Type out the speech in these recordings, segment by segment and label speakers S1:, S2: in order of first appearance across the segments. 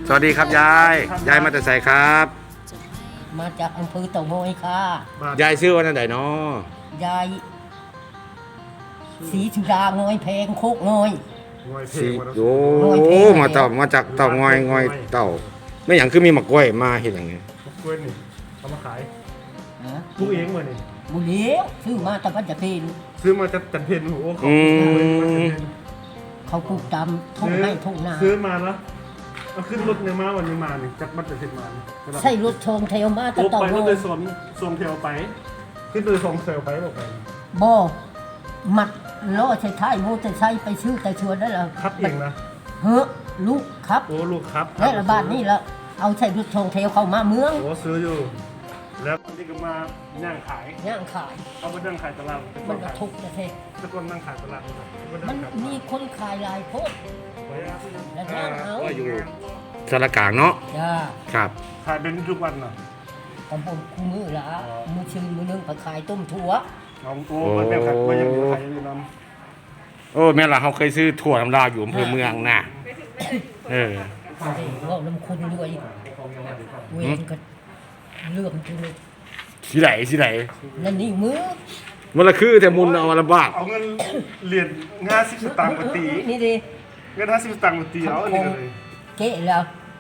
S1: สวัสดีครับยายมาแต่ไสครับ
S2: มาจากอำเภอเต่างอยค่ะ
S1: ยายชื่อว่านั่นไหนเนาะ
S2: ยายศรีสุดางอยแพงโคกงอย
S1: สิโอ้
S2: งอยเพลง
S1: มาจากเต่างอยเต่าไม่อย่างคือมีหมักกล้วยมาเห็นอย่างไง
S3: กล้วยนี่เอามาขาย
S2: ฮะ
S3: ปลูกเองเหมือนนี่
S2: บุเลี้ยวซื้อมาแต่ว่าจะเป็น
S3: ซื้อมาจากจันเพนโอ้โหเขา
S2: เขาปลูกตามทุ่งไร่ทุ่งนา
S3: ซื้อมาแล้วเอาขึ้นรถเนี่ยมาวันนี้มานี่จากบัตรจันเพนมานี่
S2: ใช่รถชงเทวมาแต่
S3: โอ้
S2: เต่า
S3: ไป
S2: ง
S3: ร
S2: อ
S3: ถโด
S2: ย
S3: ยสวมเทลไป ขึ้นโดยสองเซลไปบอกไป
S2: บ่มัดล้อใช้ท้ายโมอเตอร์ไซค์ไปซื้อแต่ชวนได้แล้ว
S3: คัดเองนะ
S2: เฮ้อลูกครับ
S3: โอ้ลูกครับ
S2: และระบาดนี่แล้วเอาใช้รถชงเทวเข้ามาเมือง
S3: โอ้ซื้ออยู่ แล้วนี่ก็มาย่างขาย
S2: ย่างขาย
S3: เอามานั่งขายตลาด
S2: มันกระทุกนะเท่
S3: ตะกอนนั่งขายตลาด
S2: มันมีคนขายหลายโพดและย่างเอา
S1: ว่าอยู่สารกลางเนาะ
S2: จ้า
S1: ครับ
S3: ขายเป็นทุกวันเนาะ
S2: ตำบลคู่มือละมือชื่อมือนึงไปขายต้มถั่ว
S3: เอาโอ้มันแบบขายก็ยังอยู่ขายอยู่น้
S1: โอ้แม่ล่ะเขาเคยซื้อถั่วน้ำลาวอยู่อำเภอเมืองน่ะเออ
S2: ว่าน้ำคุณด้วยเวรก็เลื่อมจุล
S1: สิไหน
S2: นั่นนี่มือ
S1: มันละคือแต่มุนเอามาลำบาก
S3: ำเอาเงินเหรียญ50 สตางค์มาตี
S2: นี่ดิ
S3: เงิน50 สตางค์มาตีเอาอันนี้เลย
S2: เกะแล้ว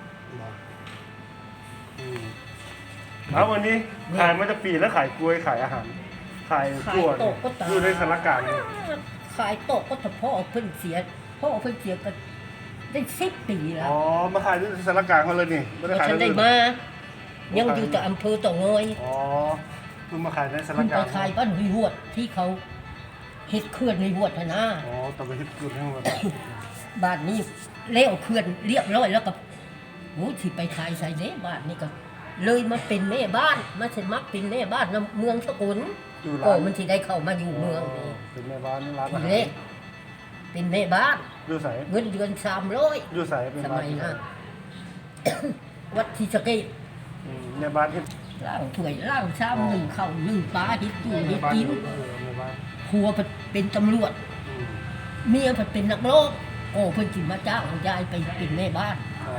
S3: เอาวันนี้ขายมาจากปีแล้วขายกล้วยขายอาหาร ขายกล้วยอยู่ในสารกลางนี่
S2: ขายโต๊ะก็แต่พ่อเพิ่นเสียพ่อเพิ่นเสียก็ได้10 ปีแล้ว
S3: อ๋อ มาขายที่สารกลางเขาเลยนี่ไม่ได้ขาย
S2: ฉันได้
S3: ที่อื่
S2: มา ยังอยู่แต่อำเภอเต่างอย
S3: อ๋อเพิ่งมาขายในสาร
S2: คุณ
S3: ก
S2: ไป
S3: ลาง
S2: ขายบ้านหุยหวดที่เขาเฮ็ดเขื่อนในหวดน่ะนะ
S3: อ๋อต้องไปที่กุดให้หมด
S2: บ้านนี้เลี้ยวเขื่อนเรียบร้อยแล้วก็โอ้ที่ไปขายใส่เด้บ้านนี่ก็ เลยมาเป็นแม่บ้านมาสมัครเป็นแม่บ้านนำเมืองสกุล
S3: อยู่
S2: ก็
S3: ร้าน
S2: มันที่ได้เข้ามาอยู่เมืองนี่
S3: เป็นแม่บ้านร้านอา
S2: ที
S3: หาร
S2: เล็กเป็นแม่บ้าน
S3: อยู่ใส่
S2: เงินเดือน300
S3: อยู่ใส่เป็น
S2: ส
S3: บ้า
S2: มั
S3: น
S2: ยนั้น วัดที่สะเกษ
S3: แม่บ้านที่
S2: ล่างถ้วยล่างชามหนึ่งข้าวหนึ่งปลาเฮ็ดตู้เฮ็ดกิน
S3: แม่บ้าน
S2: ผัวเป็นตำรวจ เมียเป็นนักร้องโอ้เพิ่นสิมาจ้างยายไปเป็นแม่บ้าน
S3: อ๋อบ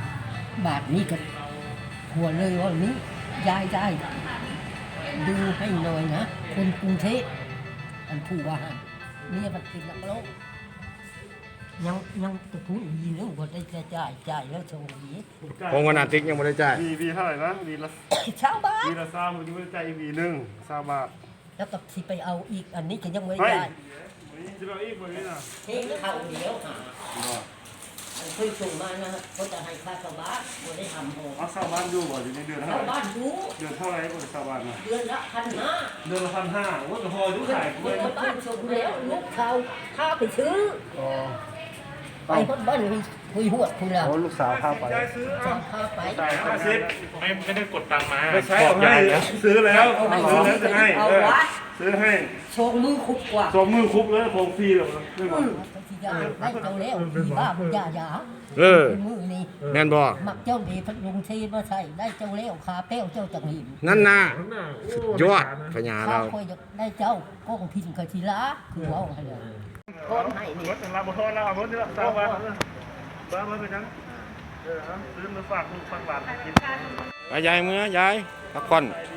S2: าทนี้ก็ผัวเลยว่านี้ยายได้ดูให้หน่อยนะคนกรุงเทพอันผู้ว่าเมียมันเป็นนักร้องยังจะพูดอีเรื่องว่าได้จะจ่ายแล้วโชว์นี้
S1: ของวันอาทิตย์ยังไม่ได้จ่าย
S3: วีเท่าไหร่นะวีละ
S2: ชาวบ้าน
S3: วีละ3วันนี้ไม่ได้จ่ายอีกวีหนึ่ง3 บาท
S2: แล้วก็สิไปเอาอีกอันนี้ก็ยังไม่
S3: เฮ้ย
S2: ได้
S3: จะเอาอีกวันนี้นะ
S2: เฮ้ยเขาเดียวหาอันเพิ่งส่งมานะเขาจะให้ค่าชาวบ้านบ่ได้ทำโห
S3: เอาชาวบ้านอยู่บ่อยู่ในเดือนเท่า
S2: ชาว
S3: ไหร่
S2: บ้านดู
S3: เดือนเท่าไหร่บ่ชาวบ้านน่ะ
S2: เดือนละ1,500
S3: เดือนละ1,500โอ้แต่พออยู่ขายกล้วย
S2: ชาวบ้านส่งแล้วลูกเขาพาไปซื้อ
S3: อ๋อ
S2: ไปคนบ้านคุยหวดคุณแล้ว
S3: โอ้ลูกสาวพาไป
S2: จะพาไป
S3: จ่าย50
S4: ไม่ได้กดตังค์มา
S3: ไม่ใช่
S4: บอ
S3: เอา
S4: ก
S3: ให้
S4: ยายแล้ว
S3: ซื้อแล้ว
S2: เอาให้
S3: ซื้อแล้วจะให้
S2: เอาวะ
S3: ซื้อให้
S2: โชว์มือคุกกว่า
S3: สองมือคุบเลยโคงฟรีเลยไม่หมด
S2: ที่ยาได้เจ้าแล้วที่บ้าบุญญาหยา
S1: เออ
S2: มือนี่
S1: แม่นบ่
S2: มักเจ้าดีพัดลุงเทมาใส่ได้เจ้าแล้วขาเป้วเจ้าจังหิน
S1: นั่นน่ะยอดพญา
S2: ข้า
S1: เรา
S2: คอยได้เจ้าก้องพินกะทีละคือว่าให้เลยก้อนให้นี่
S3: รถเราบทนเราเอารถนี่ละสาวบ้านบ้านเป็นยังซื้อมาฝากลูกฝากหลานกิน
S1: ไปยายเมื่อยายพักผ่อน
S3: ด